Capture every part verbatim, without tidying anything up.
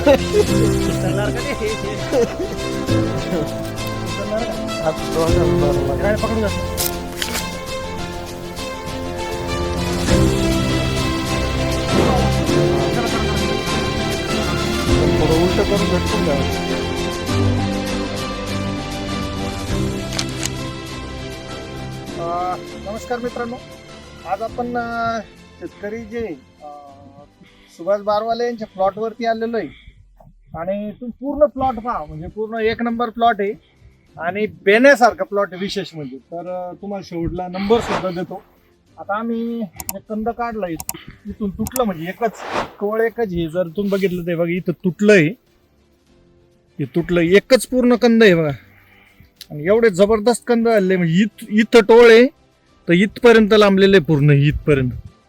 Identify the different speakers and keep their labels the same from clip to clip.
Speaker 1: उचलणार का नाही? उचलणार का?
Speaker 2: आज दोघांना बरं लागलं.
Speaker 1: काय पकडून जातो?
Speaker 2: थोडं उलट करून भेटून द्या.
Speaker 1: अं, नमस्कार मित्रांनो, आज आपण अं, शेतकरी जे अं, सुभाष बारवाले यांच्या प्लॉट वरती आलेलो आहे आणि तुम्ही पूर्ण प्लॉट पहा, म्हणजे पूर्ण एक नंबर प्लॉट आहे आणि बेण्यासारखा प्लॉट आहे विशेष म्हणजे. तर अं, तुम्हाला शेवटला नंबर सुद्धा देतो. आता आम्ही एक कंद काढला इथून तुटलं, म्हणजे एकच कवळ एकच हे जर तुम्ही बघितलं ते बघा इथं तुटलंय, हे तुटलं एकच पूर्ण कंद आहे बघा. आणि एवढे जबरदस्त कंद आले, म्हणजे इथ इथं टोळ आहे तर इथपर्यंत लांबलेले पूर्ण इथपर्यंत.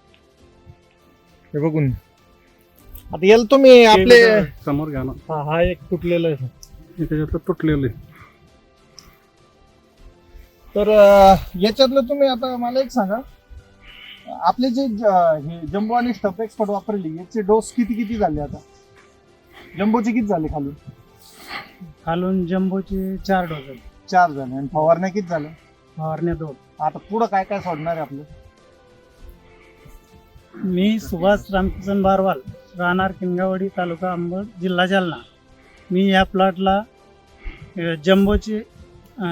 Speaker 1: हे बघून आता याला तुम्ही आपले
Speaker 2: समोर घ्या ना.
Speaker 1: हा हा एक तुटलेला आहे.
Speaker 2: त्याच्यात तुटलेलं आहे.
Speaker 1: तर अं, याच्यातलं तुम्ही आता मला एक सांगा, आपले जे ज- हे जम्बो आणि स्टफ एक्सपर्ट वापरली याचे डोस किती किती झाले? आता जम्बोचे किती झाले? खाली
Speaker 3: खालून जम्बोचे चार डोस आहेत,
Speaker 1: चार झाले आणि फवारण्या किती झाल्या?
Speaker 3: फवारण्या दोन.
Speaker 1: आता पुढं काय काय सोडणार आहे आपलं?
Speaker 3: मी सुभाष रामकिसन बारवाल, राहणार किनगावडी, तालुका अंबड, जिल्हा जालना. मी या प्लॉटला अ, जम्बोचे अ,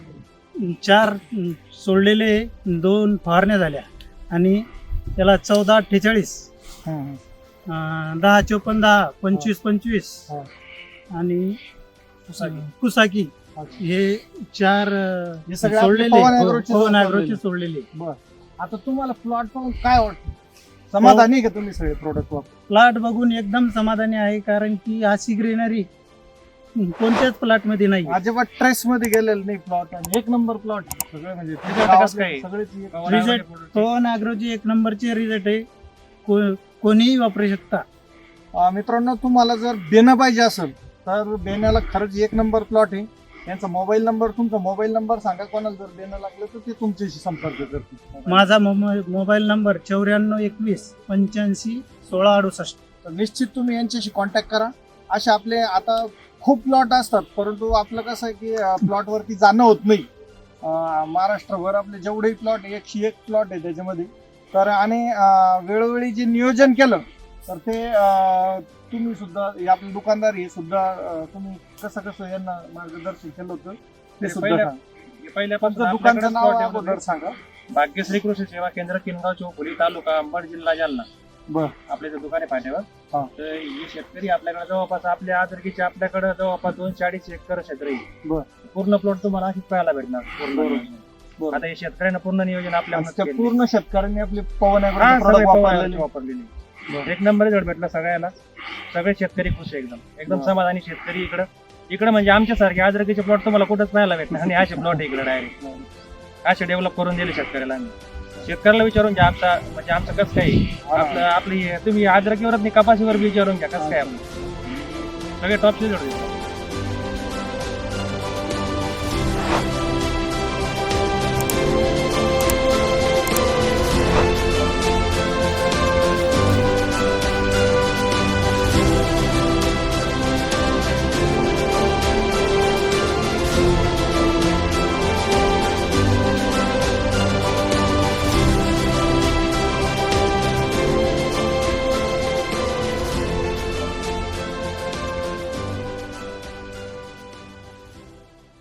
Speaker 3: चार अ, सोडलेले, दोन फवारण्या झाल्या आणि त्याला चौदा अठ्ठेचाळीस,
Speaker 1: हं, हं.
Speaker 3: दहा चोपन्न दहा, पंचवीस पंचवीस
Speaker 1: हा.
Speaker 3: आणि
Speaker 1: कुसाकी.
Speaker 3: कुसाकी
Speaker 1: अच्छा.
Speaker 3: हे चार अ,
Speaker 1: हे सगळे आपले
Speaker 3: सोडलेले,
Speaker 1: पवन
Speaker 3: हो,
Speaker 1: ॲग्रोचे
Speaker 3: पवन
Speaker 1: सोडलेले.
Speaker 3: ॲग्रोचे सोडलेले.
Speaker 1: बर, आता तुम्हाला प्लॉट पाहून काय वाटतं? समाधानी आहे का तुम्ही सगळे प्रोडक्ट वापरून?
Speaker 3: प्लॉट बघून एकदम समाधानी आहे, कारण की अशी ग्रीनरी कोणत्याच प्लॉट मध्ये नाही.
Speaker 1: अजिबात ट्रेस मध्ये गेलेलं नाही प्लॉट आणि एक नंबर प्लॉट सगळे, म्हणजे
Speaker 4: Result कसं काय?
Speaker 1: सगळेच एक-
Speaker 3: रिझल्ट पवन ॲग्रोचे एक नंबरचे रिझल्ट आहे. को- कोणीही वापरू शकता.
Speaker 1: अं, मित्रांनो, तुम्हाला जर देणं पाहिजे असेल तर बेण्याला खरंच एक नंबर प्लॉट आहे. यांचा मोबाईल नंबर, तुमचा मोबाईल नंबर सांगा, कोणाला जर देणं लागलं तर ते तुमच्याशी संपर्क करतील.
Speaker 3: माझा मोबाईल मोबाईल नंबर चौऱ्याण्णव एकवीस पंच्याऐंशी सोळा अडुसष्ट.
Speaker 1: तर निश्चित तुम्ही यांच्याशी कॉन्टॅक्ट करा. असे आपले आता खूप प्लॉट असतात, परंतु आपलं कसं आहे की प्लॉट वरती जाणं होत नाही. अं, महाराष्ट्रभर आपले जेवढेही प्लॉट एकशे एक प्लॉट आहे त्याच्यामध्ये. तर आणि अं, वेळोवेळी जे नियोजन केलं तर ते अं, तुम्ही सुद्धा, हे आपले दुकानदार हे सुद्धा अं, तुम्ही कसं कसं यांना मार्गदर्शन केलं होतं ते सुद्धा
Speaker 4: पहिल्या-
Speaker 1: सांगा.
Speaker 4: पहिल्यापासून
Speaker 1: तुमचं दुकानचं
Speaker 4: आपल्याकडेच
Speaker 1: नाव
Speaker 4: plot आहे
Speaker 1: अगोदर
Speaker 4: अगोदर.
Speaker 1: सांगा.
Speaker 4: भाग्यश्री कृषी सेवा केंद्र, किनगाव चौफुली, तालुका अंबड, जिल्हा जालना.
Speaker 1: बर.
Speaker 4: आपल्या इथं दुकान आहे पाट्यावर.
Speaker 1: हा.
Speaker 4: तर हे शेतकरी आपल्याकडे जवळपास, आपल्या आदरकीचे आपल्याकडे जवळपास दोनशे अडीच एकर क्षेत्र आहे.
Speaker 1: बर.
Speaker 4: पूर्ण प्लॉट तुम्हाला अशीच पाहायला भेटणार. पूर्ण
Speaker 1: बरोबर.
Speaker 4: नियोजन.
Speaker 1: बरोबर.
Speaker 4: आता हे शेतकऱ्यांना पूर्ण नियोजन आपल्या
Speaker 1: आणि त्या पूर्ण शेतकऱ्यांनी आपले पवन ॲग्रो
Speaker 4: हा,
Speaker 1: product
Speaker 4: सगळे पवन
Speaker 1: वापरलेले.
Speaker 4: वापरलेली.
Speaker 1: बरं.
Speaker 4: एक नंबर रिझल्ट भेटला सगळ्याला. सगळे शेतकरी खुश आहे, एकदम एकदम
Speaker 1: बरं.
Speaker 4: समाधानी शेतकरी इकडं. इकडे म्हणजे आमच्यासारखे आदरकीचे प्लॉट तुम्हाला कुठंच पाहायला भेटणार आणि असे प्लॉट इकडे डायरेक्ट असे डेव्हलप करून दिले शेतकऱ्याला आम्ही. शेतकऱ्याला विचारून घ्या आमचा, म्हणजे आमचं कसं काय आहे.
Speaker 1: हा.
Speaker 4: आपलं आपली तुम्ही आदरकीवरच नाही, कपाशीवर बी विचारून घ्या कसं काय आपलं. सगळे टॉप रिझल्ट